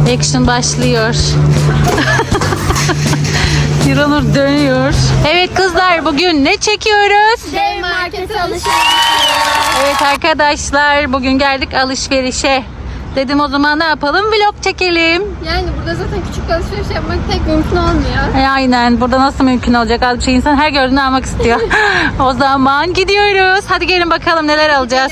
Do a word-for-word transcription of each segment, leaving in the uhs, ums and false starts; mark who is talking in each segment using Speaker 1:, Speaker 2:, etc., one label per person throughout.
Speaker 1: Action başlıyor. Hiranur dönüyor. Evet kızlar, bugün ne çekiyoruz?
Speaker 2: Dev markete alışveriş.
Speaker 1: Evet arkadaşlar, bugün geldik alışverişe. Dedim o zaman ne yapalım? Vlog çekelim.
Speaker 2: Yani burada zaten küçük alışveriş yapmak pek mümkün olmuyor.
Speaker 1: E, aynen. Burada nasıl mümkün olacak? Az bir şey insan her gördüğünü almak istiyor. O zaman gidiyoruz. Hadi gelin bakalım neler alacağız.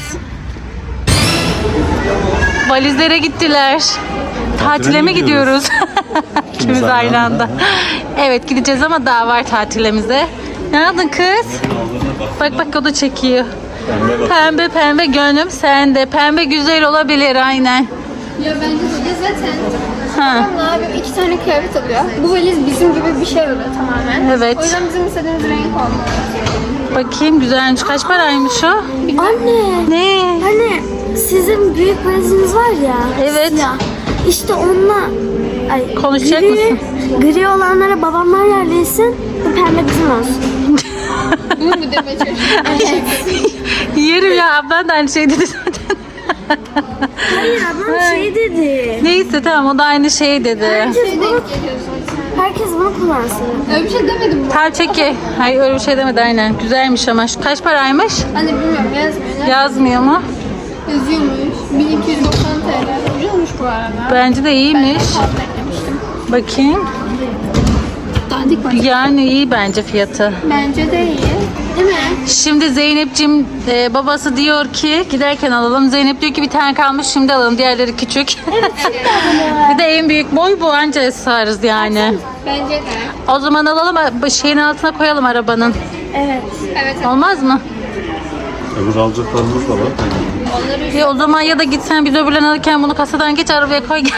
Speaker 1: Valizlere gittiler. Tatile mi gidiyoruz? İkimiz aynı anda. Evet gideceğiz ama daha var tatilimize. Ne aldın kız? Bak bak o da çekiyor. Pembe pembe gönlüm sende. Pembe güzel olabilir aynen.
Speaker 2: Ya bence de zaten.
Speaker 1: Ha.
Speaker 2: Babam ne yapıyor? İki tane kıyafet alıyor. Bu valiz bizim gibi bir şey oluyor tamamen.
Speaker 1: Evet.
Speaker 2: O yüzden bizim istediğimiz renk olmuyor.
Speaker 1: Bakayım güzelmiş. Kaç paraymış o?
Speaker 3: Anne,
Speaker 1: Ne?
Speaker 3: hani sizin büyük valiziniz var ya.
Speaker 1: Evet.
Speaker 3: Siyah. İşte onunla ay,
Speaker 1: Konuşacak
Speaker 3: gri,
Speaker 1: mısın?
Speaker 3: Gri olanlara babamlar yerleşsin, bu pembe bizim olsun.
Speaker 2: Bunu mu demeye çalışıyorsun?
Speaker 1: Yerim ya, ablan da aynı şey dedi zaten.
Speaker 3: Hayır ablam şey dedi.
Speaker 1: Neyse tamam, o da aynı şey dedi.
Speaker 3: Herkes
Speaker 2: Şey
Speaker 3: bunu,
Speaker 2: denk geliyor zaten.
Speaker 3: herkes bunu kullansın.
Speaker 2: Öyle bir şey demedim bu.
Speaker 1: Tamam çeki. Hayır öyle bir şey demedi aynen. Güzelmiş ama. Şu kaç paraymış?
Speaker 2: Hani bilmiyorum yazmıyor. Ne?
Speaker 1: Yazmıyor mu?
Speaker 2: Yazıyormuş. bin iki yüz doksan TL. Ucuzmuş bu arada.
Speaker 1: Bence de
Speaker 2: Ben
Speaker 1: iyiymiş.
Speaker 2: de fazla eklemiştim.
Speaker 1: Bakayım.
Speaker 2: Dandik var.
Speaker 1: Yani iyi bence fiyatı.
Speaker 2: Bence de iyi. Değil mi?
Speaker 1: Şimdi Zeynep'cim e, babası diyor ki giderken alalım. Zeynep diyor ki bir tane kalmış şimdi alalım. Diğerleri küçük. Bir de en büyük boy bu, anca sığarız yani.
Speaker 2: Bence de.
Speaker 1: O zaman alalım, şeyin altına koyalım arabanın.
Speaker 3: Evet.
Speaker 2: Evet.
Speaker 1: Olmaz mı?
Speaker 4: Öbür alacaklarımız da var.
Speaker 2: Onları
Speaker 1: Ya o zaman ya da gitsen biz öbürlerini alırken bunu kasadan geç arabaya koy gel.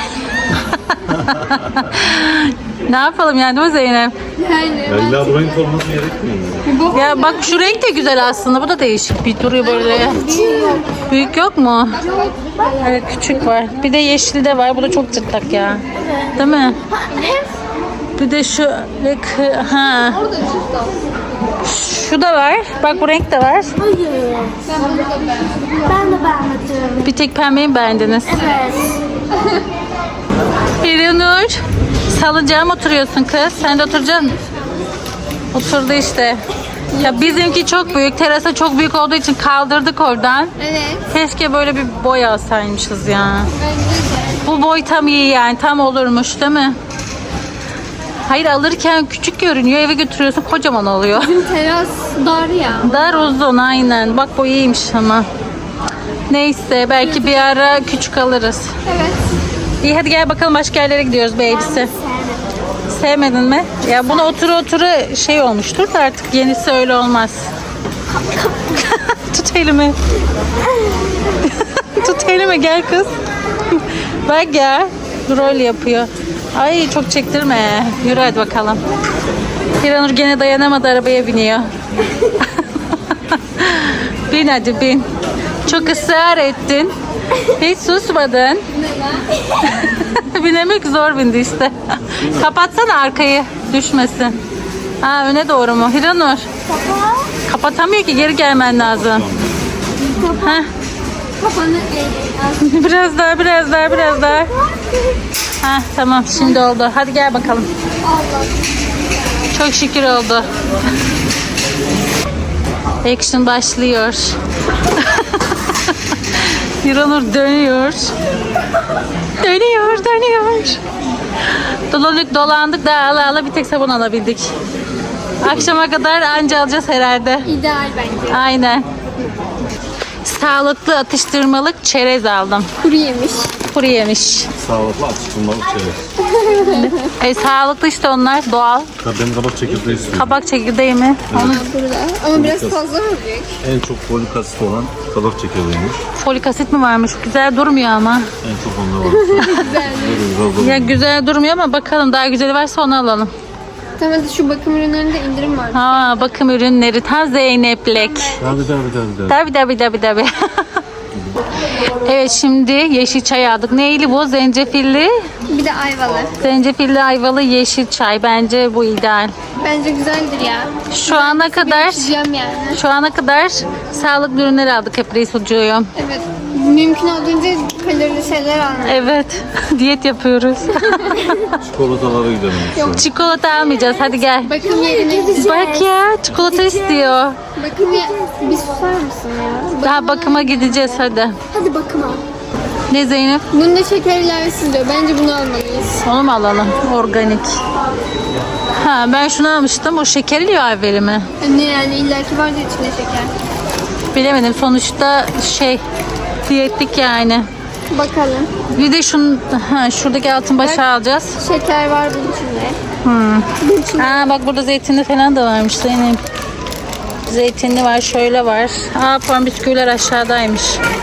Speaker 1: Ne yapalım yani, değil mi Zeynep?
Speaker 2: yani.
Speaker 4: Ya illa bu renk olması gerekmiyor mu?
Speaker 2: Bir bok
Speaker 1: Ya bak şu renk de güzel aslında. Bu da değişik bir duruyor böyle. Büyük yok mu? Evet küçük var. Bir de yeşili de var. Bu da çok cırtlak ya. Değil mi? Bir de şu ha.
Speaker 2: orada çift al.
Speaker 1: Şu da var. Bak bu renk de var.
Speaker 3: Hayır.
Speaker 2: Ben bunu da beğendim.
Speaker 3: Ben de beğenmedim.
Speaker 1: Bir tek pembeyi mi beğendiniz?
Speaker 3: Evet.
Speaker 1: İranur, salıncağa mı oturuyorsun kız? Sen de oturacaksın. Oturdu işte. Ya bizimki çok büyük. Terasa çok büyük olduğu için kaldırdık oradan.
Speaker 2: Evet.
Speaker 1: Keşke böyle bir boy alsaymışız ya.
Speaker 2: Bence de.
Speaker 1: Bu boy tam iyi yani. Tam olurmuş değil mi? Hayır, alırken küçük görünüyor. Eve götürüyorsun kocaman oluyor.
Speaker 2: Bizim teras dar ya.
Speaker 1: Dar uzun aynen. Bak bu iyiymiş ama. Neyse belki bir ara küçük alırız.
Speaker 2: Evet.
Speaker 1: İyi hadi gel bakalım, başka yerlere gidiyoruz bebisi. Sevmedin mi? Ya buna otura otura şey olmuştur da artık yenisi öyle olmaz. Tut elimi. Tut elimi, gel kız. Bak ya, rol yapıyor. Ay çok çektirme. Yürü hadi bakalım. Hiranur gene dayanamadı, arabaya biniyor. Bin hadi bin. Çok ısrar ettin. Hiç susmadın. Binemek zor bindi işte. Kapatsana arkayı, düşmesin. Ha öne doğru mu? Hiranur. Kapatamıyor ki, geri gelmen lazım. Heh.
Speaker 2: Kafanı eğ.
Speaker 1: Biraz daha, biraz daha, biraz daha. Ha tamam, şimdi oldu. Hadi gel bakalım.
Speaker 2: Allah.
Speaker 1: Çok şükür oldu. Action başlıyor. Hiranur dönüyor. Dönüyor, dönüyor. Dolandık, dolandık da ala ala bir tek sabun alabildik. Akşama kadar anca alacağız herhalde.
Speaker 2: İdeal bence.
Speaker 1: Aynen. Sağlıklı atıştırmalık çerez aldım.
Speaker 2: Kuru yemiş.
Speaker 1: Kuru yemiş.
Speaker 4: Sağlıklı atıştırmalık şeyler.
Speaker 1: E, sağlıklı işte onlar, doğal.
Speaker 4: Ben kabak çekirdeği istiyorum.
Speaker 1: Kabak çekirdeği mi? Onu
Speaker 2: Burada. Ama biraz fazla mı büyük?
Speaker 4: En çok folik asit olan kabak çekirdeğiymiş.
Speaker 1: folik asit mi varmış? Güzel durmuyor ama.
Speaker 4: En çok onda var.
Speaker 2: Güzel.
Speaker 4: Böyle güzel
Speaker 1: Ya güzel durmuyor ama bakalım, daha güzeli varsa onu alalım.
Speaker 2: Tamam hadi şu bakım ürünlerinde indirim var.
Speaker 1: Ha bakım ürünleri ta Zeyneplek.
Speaker 4: Tabii tabii tabii. tabii.
Speaker 1: Tabi tabi tabi tabi. Evet şimdi yeşil çay aldık. Neyli bu? Zencefilli.
Speaker 2: Bir de ayvalı.
Speaker 1: Zencefilli ayvalı yeşil çay. Bence bu ideal.
Speaker 2: Bence güzeldir ya.
Speaker 1: Şu ana kadar
Speaker 2: İçeceğim yani.
Speaker 1: şu ana kadar sağlıklı ürünler aldık hep reis ucuğum.
Speaker 2: Evet. Mümkün olduğunca kalorili şeyler almak.
Speaker 1: Evet. Diyet yapıyoruz.
Speaker 4: Çikolatalara gidelim. Yok.
Speaker 1: Çikolata almayacağız. Hadi gel.
Speaker 2: Bakım yerine
Speaker 1: Bak ya çikolata istiyor.
Speaker 2: Bakım ya bir susar mısın ya?
Speaker 1: Daha bakıma gideceğiz hadi.
Speaker 3: Hadi bakıma.
Speaker 1: Ne Zeynep?
Speaker 2: Bunda şeker ilavesi diyor. Bence bunu almalıyız.
Speaker 1: Onu mu alalım? Organik. Ha ben şunu almıştım. O şekerli ilave mi?
Speaker 2: Ne yani illaki vardı içinde şeker.
Speaker 1: Bilemedim. Sonuçta şey diyetlik yani.
Speaker 2: Bakalım.
Speaker 1: Bir de şun, ha, şuradaki altın başa alacağız.
Speaker 2: Şeker var bunun içinde.
Speaker 1: Hmm.
Speaker 2: Bunun içinde.
Speaker 1: Aa bak burada zeytinli falan da varmış Zeynep. Zeytinli var, şöyle var. Aa puan bisküviler aşağıdaymış.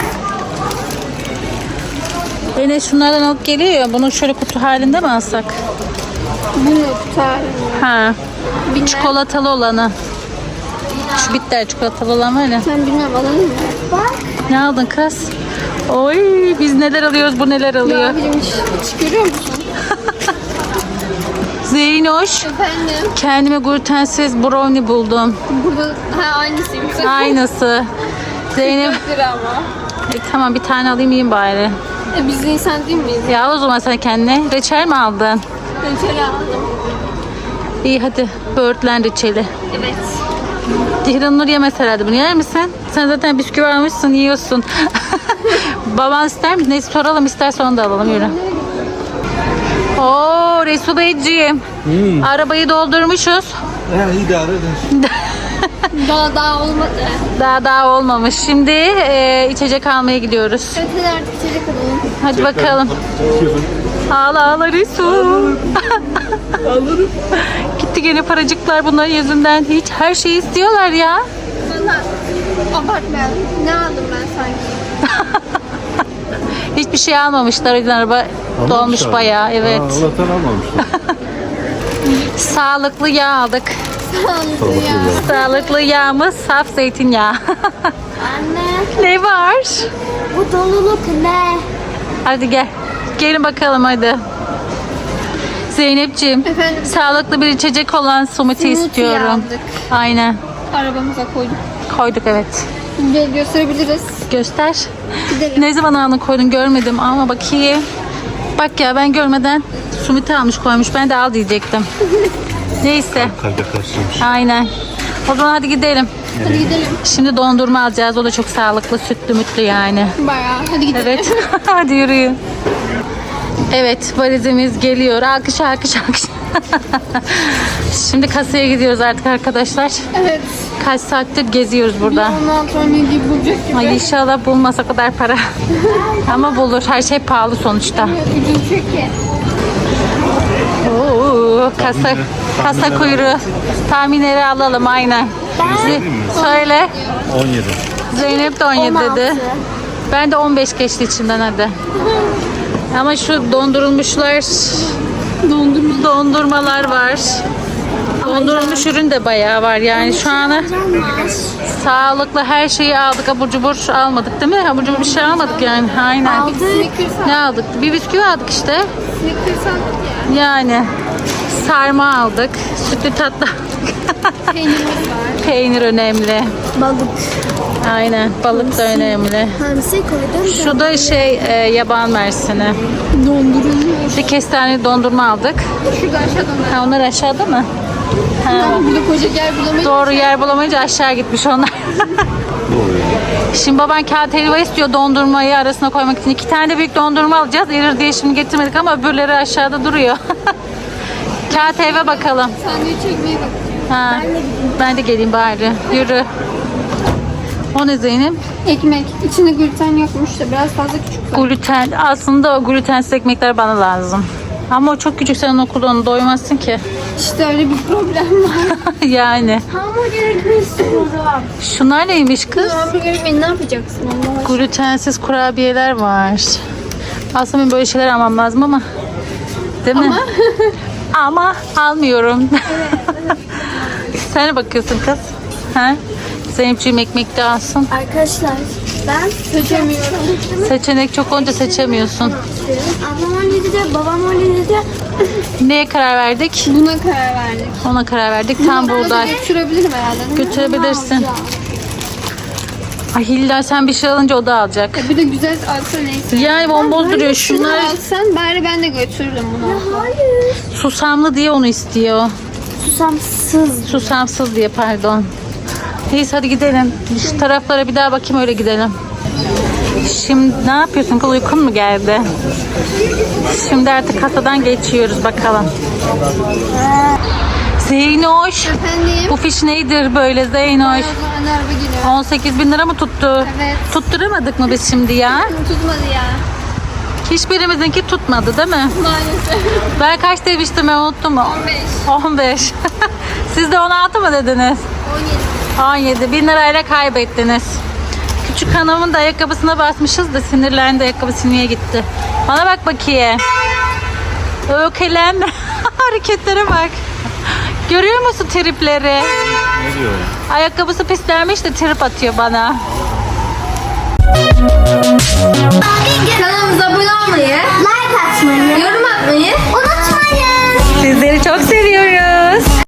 Speaker 1: Enes şunlardan alıp geliyor ya. Bunu şöyle kutu halinde mi alsak?
Speaker 2: Bunu tutar.
Speaker 1: Ha.
Speaker 2: Bilmem.
Speaker 1: Çikolatalı olanı. Şu bitter çikolatalı olan var ya.
Speaker 2: Ben bilmem alalım mı? Bak.
Speaker 1: Ne aldın kız? Oy biz neler alıyoruz bu neler alıyor.
Speaker 2: Ya bilmiş. Hiç görüyor musun?
Speaker 1: Zeynoş.
Speaker 2: Efendim.
Speaker 1: Kendime glutensiz brownie buldum.
Speaker 2: Burada ha aynısıymış.
Speaker 1: Aynısı. Zeynep.
Speaker 2: dört lira ama.
Speaker 1: E, tamam bir tane alayım yiyeyim bari.
Speaker 2: E, biz insan değil miyiz?
Speaker 1: Ya o zaman sen kendine reçel mi aldın?
Speaker 2: Reçeli aldım.
Speaker 1: İyi hadi böğürtlen reçeli.
Speaker 2: Evet.
Speaker 1: Cihran yemez herhalde bunu yer misin? Sen zaten bisküvi almışsın yiyorsun. Baban ister mi? Neyse soralım isterse onu da alalım yürü. Oo Resul Beyciğim.
Speaker 4: Hmm.
Speaker 1: Arabayı doldurmuşuz.
Speaker 4: He idare edin.
Speaker 2: Daha daha olmadı.
Speaker 1: Daha daha olmamış. Şimdi e, içecek almaya gidiyoruz.
Speaker 2: Evet hadi artık içecek alalım.
Speaker 1: Hadi bakalım. Ağla ağla Resul.
Speaker 4: Alırım.
Speaker 1: Gitti gene paracıklar bunların yüzünden. Hiç her şeyi istiyorlar ya.
Speaker 2: Valla abartmayalım. Ne aldım ben sanki?
Speaker 1: Hiçbir şey almamışlar. O yüzden araba dolmuş
Speaker 4: Almamışlar.
Speaker 1: bayağı. Evet.
Speaker 4: Ha, Allah'tan almamışlar.
Speaker 1: Sağlıklı yağ aldık.
Speaker 2: Sağlıklı ya.
Speaker 4: Sağlıklı
Speaker 1: Sağlıklı yağımız saf zeytinyağı.
Speaker 3: Anne
Speaker 1: Ne var?
Speaker 3: bu doluluk ne?
Speaker 1: Hadi gel. Gelin bakalım hadi. Zeynepciğim.
Speaker 2: Efendim?
Speaker 1: Sağlıklı bir içecek olan smoothie
Speaker 2: Smoothie
Speaker 1: istiyorum.
Speaker 2: aldık.
Speaker 1: Aynen.
Speaker 2: Arabamıza koyduk.
Speaker 1: Koyduk evet.
Speaker 2: Gö- gösterebiliriz.
Speaker 1: Göster.
Speaker 2: Gidelim.
Speaker 1: Ne zaman aldın koydun görmedim ama bakayım. Bak ya ben görmeden smoothie almış koymuş. Ben de al diyecektim. Neyse.
Speaker 4: Kalbe karşıymış.
Speaker 1: Aynen. O zaman hadi gidelim.
Speaker 2: Hadi gidelim.
Speaker 1: Şimdi dondurma alacağız. O da çok sağlıklı, sütlü mütlü yani.
Speaker 2: Bayağı. Hadi gidelim.
Speaker 1: Evet. Hadi yürüyün. Evet valizimiz geliyor. Alkış alkış alkış. Şimdi kasaya gidiyoruz artık arkadaşlar.
Speaker 2: Evet.
Speaker 1: Kaç saattir geziyoruz burada.
Speaker 2: Ondan sonra ne gibi bulacak gibi.
Speaker 1: Ay inşallah bulmasa kadar para. Ama bulur. Her şey pahalı sonuçta.
Speaker 2: Ucuz çünkü.
Speaker 1: Oo, kasa kasa kuyruğu. Tahminleri alalım aynen. Z- Söyle.
Speaker 4: on yedi.
Speaker 1: Zeynep de on yedi dedi. Ben de on beş geçti içimden hadi. Ama şu dondurulmuşlar dondurma, dondurmalar var. Dondurulmuş ürün de bayağı var yani şu ana sağlıklı her şeyi aldık. Abur cubur almadık değil mi? Abur cubur bir şey almadık yani. Aynen.
Speaker 3: Aldık.
Speaker 2: Snickers
Speaker 1: Ne aldık? Bir bisküvi aldık işte.
Speaker 2: Snickers aldık ya.
Speaker 1: Yani sarma aldık. Sütlü tatlı.
Speaker 2: Peynirimiz var.
Speaker 1: Peynir önemli.
Speaker 3: Balık.
Speaker 1: Aynen. Balık da önemli.
Speaker 3: Hamsi koydum.
Speaker 1: Şu da şey e, yaban mersini.
Speaker 2: Dondurulmuş.
Speaker 1: Bir kestane dondurma aldık.
Speaker 2: Şurada aşağıdan da.
Speaker 1: Ha, onlar aşağıda mı? Ha,
Speaker 2: Burada koca yer bulamayız.
Speaker 1: doğru yer bulamayınca aşağı gitmiş onlar.
Speaker 4: Doğru ya.
Speaker 1: Şimdi baban kağıt helva istiyor dondurmayı arasına koymak için. İki tane de büyük dondurma alacağız. Erir diye şimdi getirmedik ama öbürleri aşağıda duruyor. Kağıt helva bakalım.
Speaker 2: Sandviç çekmeye bak.
Speaker 1: Ha, ben de geleyim bari. Yürü. O ne Zeynep?
Speaker 2: Ekmek. İçinde gluten yokmuş da biraz fazla küçük.
Speaker 1: Gluten. Aslında o glutensiz ekmekler bana lazım. Ama o çok küçük, sen okulda onu doymazsın ki.
Speaker 2: İşte öyle bir problem var.
Speaker 1: Yani.
Speaker 3: Hamburger ekmeği istiyorum.
Speaker 1: Şunlar neymiş kız?
Speaker 2: Hamburger ekmeği ne yapacaksın Allah aşkına?
Speaker 1: Glutensiz kurabiyeler var. Aslında benim böyle şeyler almam lazım ama. Değil mi? Ama almıyorum. Sen ne bakıyorsun kız? Ha? Zeynepciğim ekmek de alsın.
Speaker 3: Arkadaşlar ben
Speaker 2: Seçemiyorum.
Speaker 1: Seçenek çok olunca seçemiyorsun.
Speaker 3: ablam on yedide babam on yedide
Speaker 1: Neye karar verdik?
Speaker 2: Buna karar verdik.
Speaker 1: Ona karar verdik. Tam
Speaker 2: Bunu
Speaker 1: buğday.
Speaker 2: Götürebilirim herhalde. değil mi?
Speaker 1: Götürebilirsin. Ay Hilda sen bir şey alınca o da alacak.
Speaker 2: Ya bir de güzel alsa neyse.
Speaker 1: Yani bomboz duruyor şunlar.
Speaker 2: Şunu alsan bari ben de götürürüm bunu.
Speaker 3: Hayır.
Speaker 1: Susamlı diye onu istiyor.
Speaker 3: Susamsız.
Speaker 1: Susamsız diye pardon. Neyse hadi gidelim. Şu taraflara bir daha bakayım öyle gidelim. Şimdi ne yapıyorsun? Kız uykun mu geldi? Şimdi artık kasadan geçiyoruz bakalım. Zeynoş.
Speaker 2: Efendim?
Speaker 1: Bu fiş neydir böyle Zeynoş?
Speaker 2: Anne araba geliyor.
Speaker 1: on sekiz bin lira mı tuttu?
Speaker 2: Evet.
Speaker 1: Tutturamadık mı biz şimdi ya?
Speaker 2: Tutmadı ya.
Speaker 1: Hiçbirimizinki tutmadı değil mi?
Speaker 2: Maalesef.
Speaker 1: Ben kaç demiştim ben unuttum mu?
Speaker 2: on beş.
Speaker 1: on beş. Siz de on altı mı dediniz?
Speaker 2: on yedi.
Speaker 1: on yedi. bin lirayla kaybettiniz. Küçük hanımın da ayakkabısına basmışız da sinirlendi, ayakkabısı niye gitti? Bana bak bakayım. Ökelendi. Hareketlere bak. Görüyor musun tripleri?
Speaker 4: Ne diyor ya?
Speaker 1: Ayakkabısı pislenmiş de trip atıyor bana.
Speaker 2: Kanalımıza abone olmayı,
Speaker 3: Like atmayı.
Speaker 2: yorum atmayı